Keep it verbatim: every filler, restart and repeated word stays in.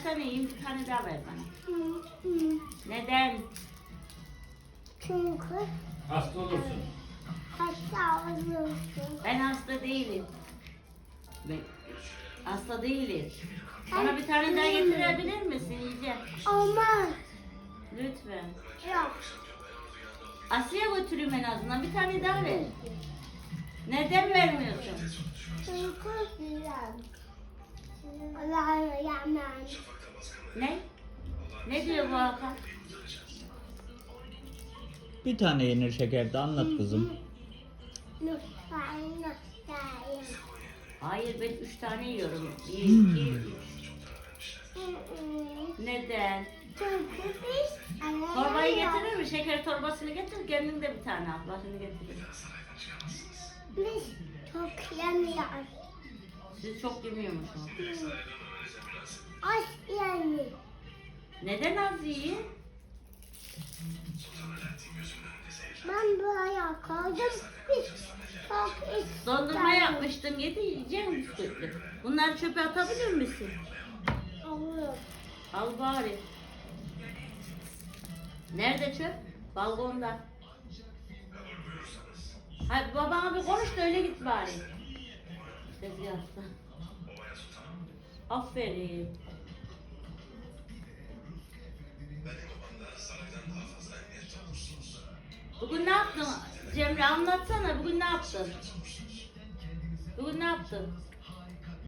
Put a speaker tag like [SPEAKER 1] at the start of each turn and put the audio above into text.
[SPEAKER 1] kaç tane yiyeyim? Bir tane daha ver bana.
[SPEAKER 2] Hı, hı.
[SPEAKER 1] Neden?
[SPEAKER 2] Çünkü
[SPEAKER 3] Hasta olursun.
[SPEAKER 2] hasta olursun.
[SPEAKER 1] Ben hasta değilim. Ben hasta değilim. Bana bir tane daha getirebilir misin? Yiyeceğim.
[SPEAKER 2] Olmaz.
[SPEAKER 1] Lütfen.
[SPEAKER 2] Yok.
[SPEAKER 1] Aslı'ya götüreyim en azından. Bir tane daha ver. Neden vermiyorsun?
[SPEAKER 2] Çünkü güzel. Allah'a yaman.
[SPEAKER 1] Ne? Ne diyor bu Hakan?
[SPEAKER 4] Bir tane yenir şekerde anlat kızım.
[SPEAKER 2] Lütfen lütfen.
[SPEAKER 1] Hayır ben üç tane yiyorum. Bir, iki, üç.
[SPEAKER 2] Hı hı.
[SPEAKER 1] Neden?
[SPEAKER 2] Çünkü biz
[SPEAKER 1] Torbayı getirir mi? Şeker torbasını getir. Kendin de bir tane al. Başını getirir.
[SPEAKER 2] Biz çok yemiyoruz.
[SPEAKER 1] Siz çok yemiyormuşsunuz.
[SPEAKER 2] Az yani.
[SPEAKER 1] Neden az yiyin?
[SPEAKER 2] Ben buraya koydum. Biz çok istedik.
[SPEAKER 1] Dondurma yapmıştım. Yedi yiyeceğim bisküvitli. Bunları çöpe atabilir misin?
[SPEAKER 2] Olur.
[SPEAKER 1] Al bari. Nerede çöp? Balkonda. Hadi babana bir konuş da öyle git bari. Tezgahta. Aferin. Bugün ne yaptın? Cemre anlatsana. Bugün ne yaptın? Bugün ne yaptın?